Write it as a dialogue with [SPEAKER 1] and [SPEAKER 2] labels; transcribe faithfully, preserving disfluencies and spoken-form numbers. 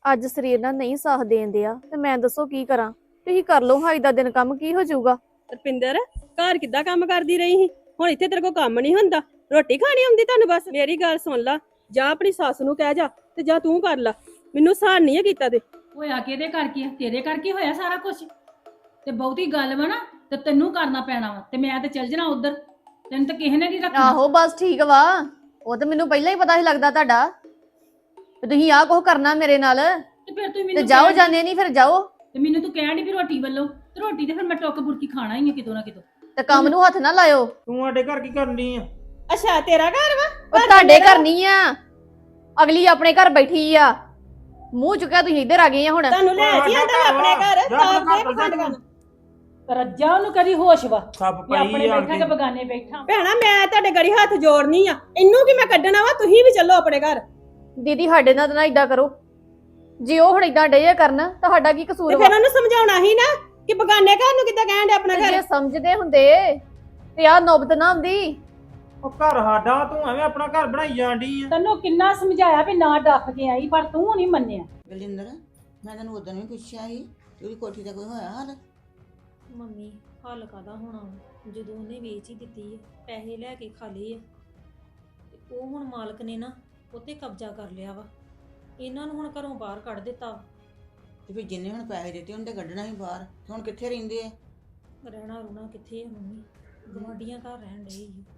[SPEAKER 1] ਅੱਜ ਸਰੀਰ ਨਾਲ ਨਹੀਂ ਸਾਥ ਦੇਣ ਦਿਆ ਤੇ ਮੈਂ ਦੱਸੋ ਕੀ ਕਰਾਂ। ਤੁਸੀਂ ਕਰ ਲਓ ਹਾਈ ਦਾ ਦਿਨ ਕੰਮ ਕੀ ਹੋ ਜਾਊਗਾ।
[SPEAKER 2] ਰਪਿੰਦਰ ਘਰ ਕਿੱਦਾਂ ਕੰਮ ਕਰਦੀ ਰਹੀ ਸੀ, ਹੁਣ ਇੱਥੇ ਤੇਰੇ ਕੋਲ ਕੰਮ ਨਹੀਂ ਹੁੰਦਾ। ਰੋਟੀ ਖਾਣੀ ਆਉਂਦੀ ਤੁਹਾਨੂੰ ਬਸ। ਮੇਰੀ ਗੱਲ ਸੁਣ ਲਾ, ਜਾਂ ਆਪਣੀ ਸੱਸ ਨੂੰ ਕਹਿ ਜਾ ਤੇ ਜਾਂ ਤੂੰ ਕਰ ਲਾ। ਮੈਨੂੰ ਸਹਾਨ ਨਹੀਂ ਹੈ ਕੀਤਾ ਤੇ
[SPEAKER 3] ਹੋਇਆ ਕਿਹਦੇ ਕਰਕੇ ਆ? ਤੇਰੇ ਕਰਕੇ ਹੋਇਆ ਸਾਰਾ ਕੁਝ। ਤੇ ਬਹੁਤੀ ਗੱਲ ਵਾ ਨਾ ਤੇ ਤੈਨੂੰ ਕਰਨਾ ਪੈਣਾ ਵਾ, ਤੇ ਮੈਂ ਤੇ ਚੱਲ ਜਾਣਾ ਉਧਰ। ਤੈਨੂੰ ਤਾਂ ਕਿਸੇ ਨੇ ਨਹੀਂ ਰੱਖਣਾ।
[SPEAKER 1] ਆਹੋ ਬਸ ਠੀਕ ਵਾ, ਉਹ ਤਾਂ ਮੈਨੂੰ ਪਹਿਲਾਂ ਹੀ ਪਤਾ ਸੀ ਲੱਗਦਾ ਤੁਹਾਡਾ ਤੇ ਤੁਸੀਂ ਆਹ ਕੁਝ ਕਰਨਾ ਮੇਰੇ ਨਾਲ।
[SPEAKER 3] ਤੇ ਫਿਰ ਤੂੰ
[SPEAKER 1] ਤੇ
[SPEAKER 3] ਮੈਨੂੰ
[SPEAKER 1] ਜਾਓ
[SPEAKER 3] ਕਹਿਣ-
[SPEAKER 1] ਜਾਂਦੇ ਨਹੀਂ ਫਿਰ ਜਾਓ।
[SPEAKER 3] ਤੇ ਮੈਨੂੰ ਤੂੰ ਕਹਿਣ ਦੀ ਵੀ ਰੋਟੀ ਵੱਲੋਂ, ਤੇ ਰੋਟੀ ਤੇ ਫਿਰ ਮੈਂ ਟੁੱਕ ਬੁਰਕੀ ਖਾਣਾ ਹੀ ਆ ਕਿਤੋਂ ਨਾ ਕਿਤੋਂ।
[SPEAKER 1] ਤੇ ਕੰਮ ਨੂੰ ਹੱਥ ਨਾ ਲਾਇਓ।
[SPEAKER 4] ਤੂੰ ਸਾਡੇ ਘਰ ਕੀ ਕਰਨੀ ਆ?
[SPEAKER 2] ਅੱਛਾ ਤੇਰਾ ਘਰ ਵਾ?
[SPEAKER 1] ਉਹ ਤੁਹਾਡੇ ਘਰ ਨਹੀਂ ਆ, ਅਗਲੀ ਆਪਣੇ ਘਰ ਬੈਠੀ ਆ। ਮੂੰਹ ਚੁੱਕਿਆ ਤੁਸੀਂ ਇੱਧਰ ਆ ਗਏ ਆ ਹੁਣ।
[SPEAKER 2] ਤੁਹਾਨੂੰ ਲੈ ਜੀ ਆਂਦਾ ਆਪਣੇ ਘਰ
[SPEAKER 4] ਜਾ
[SPEAKER 2] ਤਾਂ
[SPEAKER 4] ਆਪਣੇ
[SPEAKER 2] ਦੇ
[SPEAKER 4] ਘਰ
[SPEAKER 2] ਪਖੰਡ ਕਰਨ।
[SPEAKER 3] ਰੱਜਾ ਉਹਨੂੰ ਕਦੀ ਹੋਸ਼ ਵਾ
[SPEAKER 4] ਸੱਪ
[SPEAKER 3] ਵੀ ਆਪਣੇ
[SPEAKER 4] ਪਈ ਆ
[SPEAKER 3] ਬੈਠਾ ਕਿ ਬਗਾਨੇ ਬੈਠਾ।
[SPEAKER 2] ਭੈਣਾ ਮੈਂ ਤੁਹਾਡੇ ਗੜੀ ਹੱਥ ਜੋੜਨੀ ਆ, ਇਹਨੂੰ ਕੀ ਮੈਂ ਕੱਢਣਾ ਵਾ? ਤੁਸੀਂ ਵੀ ਚੱਲੋ ਆਪਣੇ ਘਰ।
[SPEAKER 1] ਦੀਦੀ ਸਾਡੇ ਨਾਲ ਤਾਂ ਨਾ ਇਦਾਂ ਕਰੋ। ਜੇ ਉਹ ਹੁਣ ਇਦਾਂ ਡੇ ਕਰਨ ਤੁਹਾਡਾ ਕੀ
[SPEAKER 2] ਤੇ
[SPEAKER 1] ਕਸੂਰ ਵਾ?
[SPEAKER 2] ਫਿਰ ਉਹਨੂੰ ਸਮਝਾਉਣਾ ਸੀ ਨਾ ਕਿ ਬਗਾਨੇ ਘਰ ਨੂੰ ਕਿੱਦਾਂ ਕਹਿਣ ਦੇ ਆਪਣਾ
[SPEAKER 1] ਤੇ
[SPEAKER 2] ਘਰ।
[SPEAKER 1] ਜੇ ਸਮਝਦੇ ਹੁੰਦੇ ਤੇ ਆਹ ਨੌਬਤ ਨਾ ਆਉਂਦੀ।
[SPEAKER 4] ਉਹ ਘਰ ਸਾਡਾ, ਤੂੰ ਐਵੇਂ ਆਪਣਾ ਘਰ ਬਣਾਈ ਜਾਂਦੀ ਆ।
[SPEAKER 3] ਤੈਨੂੰ ਕਿੰਨਾ ਸਮਝਾਇਆ ਵੀ ਨਾ ਡੱਫ ਕੇ ਆਈ, ਪਰ ਤੂੰ ਨਹੀਂ ਮੰਨਿਆ।
[SPEAKER 5] ਬਲਿੰਦਰ, ਮੈਂ ਤੈਨੂੰ ਉਦੋਂ ਵੀ ਪੁੱਛਿਆ ਸੀ ਕਿ ਉਹਦੀ ਕੋਠੀ ਦਾ ਕੋਈ ਹੋਇਆ ਹਾਲ?
[SPEAKER 6] ਮੰਮੀ ਹੱਲ ਕਾਹਦਾ ਹੋਣਾ ਵਾ? ਜਦੋਂ ਉਹਨੇ ਵੇਚ ਹੀ ਦਿੱਤੀ ਹੈ, ਪੈਸੇ ਲੈ ਕੇ ਖਾ ਲਏ ਆ, ਤੇ ਉਹ ਹੁਣ ਮਾਲਕ ਨੇ ਨਾ ਉੱਤੇ ਕਬਜ਼ਾ ਕਰ ਲਿਆ ਵਾ। ਇਹਨਾਂ ਨੂੰ ਹੁਣ ਘਰੋਂ ਬਾਹਰ ਕੱਢ ਦਿੱਤਾ ਵਾ।
[SPEAKER 5] ਤੇ ਫਿਰ ਜਿੰਨੇ ਹੁਣ ਪੈਸੇ ਦਿੱਤੇ ਉਹਨੇ ਤਾਂ ਕੱਢਣਾ ਸੀ ਬਾਹਰ। ਹੁਣ ਕਿੱਥੇ ਰਹਿੰਦੇ ਆ?
[SPEAKER 6] ਰਹਿਣਾ ਰੁਣਾ ਕਿੱਥੇ ਆ ਮੰਮੀ? ਗੁਆਂਢੀਆਂ ਘਰ ਰਹਿਣ ਡਏ ਸੀ।